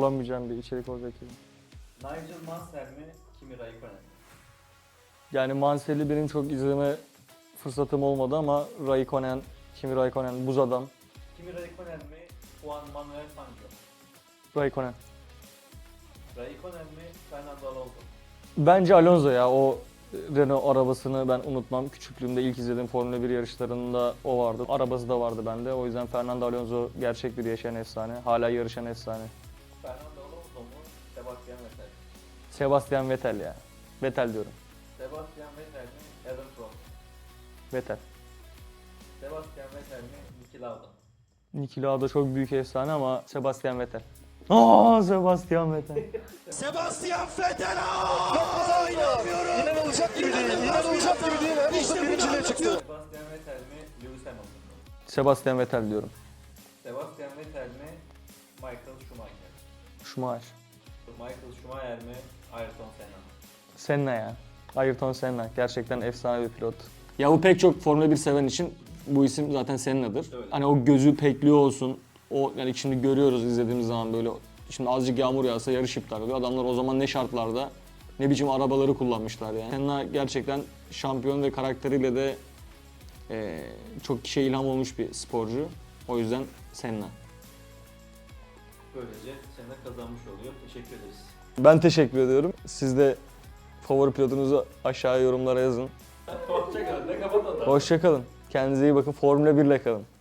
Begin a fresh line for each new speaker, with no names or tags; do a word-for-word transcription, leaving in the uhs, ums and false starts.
zorlanmayacağım bir içerik olacak gibi.
Nigel Mansell mi, Kimi Raikkonen mi?
Yani Mansell'i benim çok izleme fırsatım olmadı ama Raikkonen, Kimi Raikkonen, buz adam.
Kimi Raikkonen mi, Juan Manuel Fangio?
Raikkonen.
Raikkonen mi, Fernando Alonso?
Bence Alonso ya, o Renault arabasını ben unutmam. Küçüklüğümde ilk izlediğim Formula bir yarışlarında o vardı. Arabası da vardı bende. O yüzden Fernando Alonso gerçek bir yaşayan efsane. Hala yarışan efsane.
Fernando Alonso mu, Sebastian Vettel?
Sebastian Vettel ya. Vettel diyorum.
Sebastian Vettel mi, Adam Prost?
Vettel.
Sebastian Vettel mi, Niki Lauda?
Niki Lauda çok büyük efsane ama Sebastian Vettel. Aa, Sebastian Vettel.
Sebastian Vettel! Aa, inanmıyorum! İnanılacak gibi değil, inanılacak gibi değil. İşte birinciliğe çıktı.
Sebastian Vettel mi, Lewis Hamilton mu?
Sebastian Vettel diyorum.
Sebastian Vettel mi, Michael Schumacher?
Schumacher.
Michael Schumacher mi, Ayrton Senna mı?
Senna ya. Ayrton Senna. Gerçekten efsane bir pilot. Ya bu pek çok Formula bir seven için bu isim zaten Senna'dır.
Öyle.
Hani o gözü pekliyor olsun. O yani şimdi görüyoruz izlediğimiz zaman böyle şimdi azıcık yağmur yağsa yarış iptal oluyor. Adamlar o zaman ne şartlarda ne biçim arabaları kullanmışlar yani. Senna gerçekten şampiyon ve karakteriyle de eee, çok kişiye ilham olmuş bir sporcu. O yüzden Senna.
Böylece Senna kazanmış oluyor. Teşekkür ederiz.
Ben teşekkür ediyorum. Siz de favori pilotunuzu aşağıya yorumlara yazın.
Hoşçakalın. Ne kapat o da.
Hoşça kalın. Kendinize iyi bakın. Formula bir ile kalın.